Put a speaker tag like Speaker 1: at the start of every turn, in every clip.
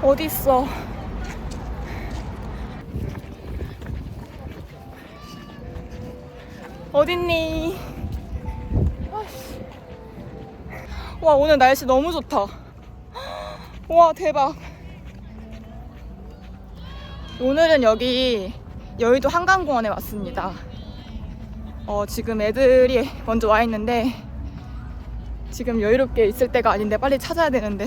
Speaker 1: 어디 있어? 어딨니? 아이씨. 와, 오늘 날씨 너무 좋다. 와, 대박. 오늘은 여기 여의도 한강공원에 왔습니다. 지금 애들이 먼저 와 있는데 지금 여유롭게 있을 때가 아닌데 빨리 찾아야 되는데.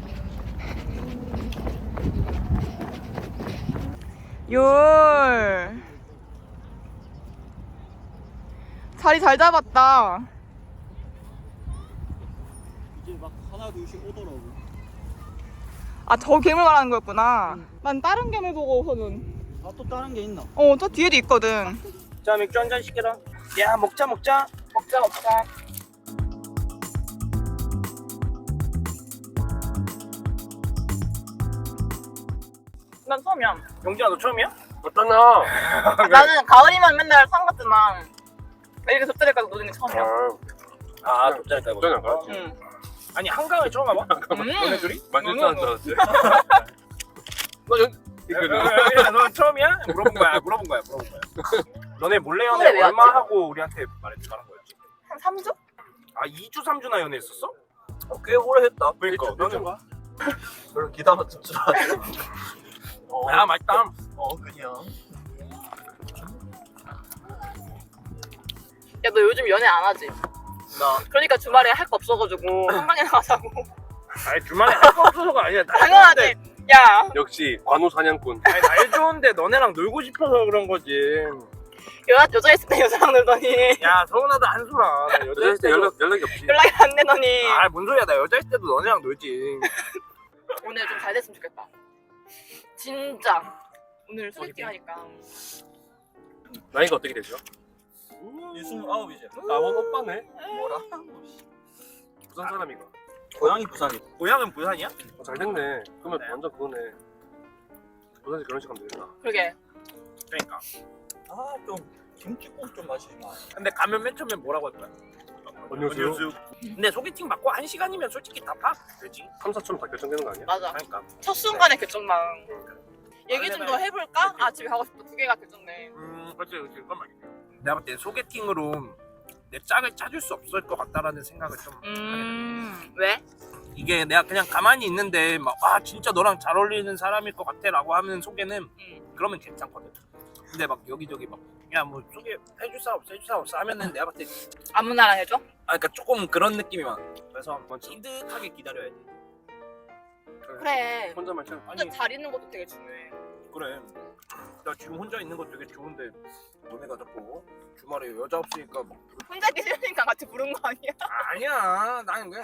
Speaker 1: 율 자리 잘 잡았다.
Speaker 2: 이제 막 하나 둘씩 오더라고.
Speaker 1: 아, 저 괴물 말하는 거였구나. 난 다른 괴물 보고서는.
Speaker 2: 아, 또 다른 게 있나?
Speaker 1: 저 뒤에도 있거든.
Speaker 3: 자, 맥주 한 잔 시켜라. 야, 먹자.
Speaker 1: 먹자. 난 처음이야.
Speaker 3: 용진아, 너 처음이야?
Speaker 4: 어떠나?
Speaker 1: 나는 가을이면 맨날 산 같지만 이렇게 섭자리까지 노는 게 처음이야.
Speaker 3: 아, 돗자리 깔고.
Speaker 4: 돗자리 깔았지.
Speaker 1: 응.
Speaker 3: 아니, 한강을 처음 와봐? 너네 둘이?
Speaker 4: 만질 줄 알았지.
Speaker 3: 너 처음이야? 물어본 거야. 너네 몰래 연애
Speaker 1: 근데 왜
Speaker 3: 얼마
Speaker 1: 왔지?
Speaker 3: 하고 우리한테 말하는 거였지?
Speaker 1: 한 3주?
Speaker 3: 아, 2주, 3주나 연애했었어? 꽤 오래 했다. 그러니까. 너는 봐.
Speaker 2: 별로 기다 맞출 줄 알았어.
Speaker 3: 야, 맛있다.
Speaker 2: 그냥.
Speaker 1: 야, 너 요즘 연애 안 하지?
Speaker 2: 나
Speaker 1: 그러니까 주말에 할 거 없어가지고 한강에 나가자고.
Speaker 3: 아니, 주말에 할 거 없어서가 아니야. 날
Speaker 1: 당연하지.
Speaker 3: 좋은데.
Speaker 1: 야,
Speaker 4: 역시 관우 사냥꾼.
Speaker 3: 아니, 날 좋은데 너네랑 놀고 싶어서 그런 거지.
Speaker 1: 여자 있을 때 여자랑 놀더니
Speaker 3: 야, 서운하다 한수라. 나 여자
Speaker 4: 여자
Speaker 3: 있을
Speaker 4: 때
Speaker 3: 때도
Speaker 4: 연락이 없지.
Speaker 1: 연락이 안 되더니.
Speaker 3: 아, 뭔 소리야. 나 여자 있을 때도 너네랑 놀지.
Speaker 1: 오늘 좀 잘 됐으면 좋겠다. 진짜. 오늘 소개팅 하니까.
Speaker 4: 나이가 어떻게 되죠?
Speaker 2: 이 29이지.
Speaker 4: 나원 오빠네.
Speaker 2: 뭐라?
Speaker 4: 부산 사람이가.
Speaker 2: 고향이 부산이.
Speaker 3: 고향은 부산이야?
Speaker 4: 잘 됐네. 그러면
Speaker 3: 그래?
Speaker 4: 완전 그거네. 부산에서 결혼식 하면 되겠다.
Speaker 1: 그러게.
Speaker 3: 그러니까.
Speaker 2: 아, 좀 김치국 좀 마시지 마.
Speaker 3: 근데 가면 맨 처음에 뭐라고 할 거야?
Speaker 4: 안녕하세요.
Speaker 3: 근데 소개팅 받고 1시간이면 솔직히 다 되지.
Speaker 4: 3, 4점 다 결정되는 거 아니야?
Speaker 1: 맞아.
Speaker 3: 그러니까.
Speaker 1: 첫 순간의 결정만. 얘기 좀 더 해볼까?
Speaker 3: 그치.
Speaker 1: 아, 집에 가고 싶다. 두 개가 결정돼.
Speaker 3: 그렇지. 그건 말이야. 내가 볼 때 소개팅으로 내 짝을 찾을 수 없을 것 같다라는 생각을 좀 하게 돼.
Speaker 1: 왜?
Speaker 3: 이게 내가 그냥 가만히 있는데 막 진짜 너랑 잘 어울리는 사람일 것 같아라고 하는 소개는 그러면 괜찮거든. 근데 막 여기저기 막 야 뭐 소개 해줄 사람 없어 하면은 내가 봤을 때
Speaker 1: 아무나랑 해줘?
Speaker 3: 그러니까 조금 그런 느낌이 많아. 그래서 뭐 찐득하게 기다려야 돼.
Speaker 1: 그래.
Speaker 4: 혼자만 참.
Speaker 1: 혼자 잘 있는 것도 되게 중요해.
Speaker 3: 그래. 나 지금 혼자 있는 거 되게 좋은데 너네가 자꾸 주말에 여자 없으니까 막
Speaker 1: 혼자 있기 싫으니까 같이 부른 거 아니야?
Speaker 3: 아니야. 나는 그냥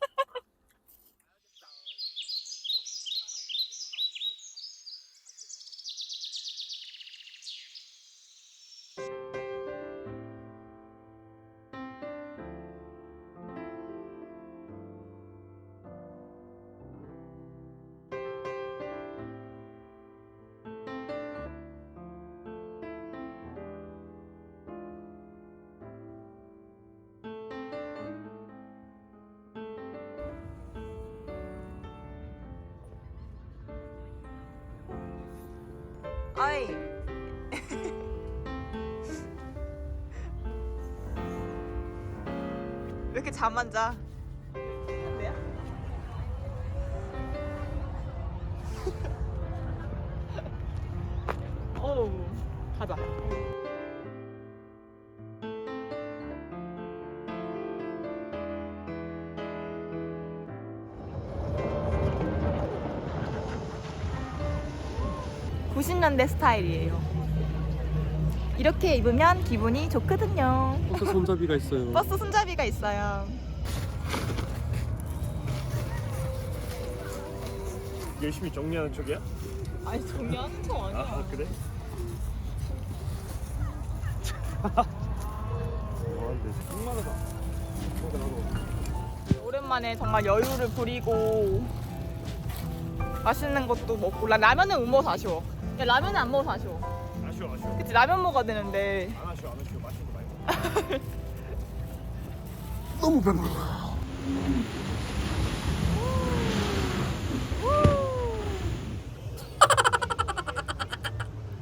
Speaker 1: 아이. 왜 이렇게 잠 안 자? 한대야? 어우, 가자. (90년대) 스타일이에요. 이렇게 입으면 기분이 좋거든요.
Speaker 4: 버스 손잡이가 있어요.
Speaker 1: 버스 손잡이가 있어요.
Speaker 4: 열심히 정리하는 척이야?
Speaker 1: 아니, 정리하는 거 아니야.
Speaker 4: 그래?
Speaker 1: 오랜만에 정말 여유를 부리고 맛있는 것도 먹고. 라면은 못 먹어서 아쉬워. 야, 라면은 안 먹어서 아쉬워.
Speaker 4: 아쉬워.
Speaker 1: 그치, 라면 먹어야 되는데.
Speaker 4: 안 아쉬워. 맛있는 거 말고. 너무 배불러.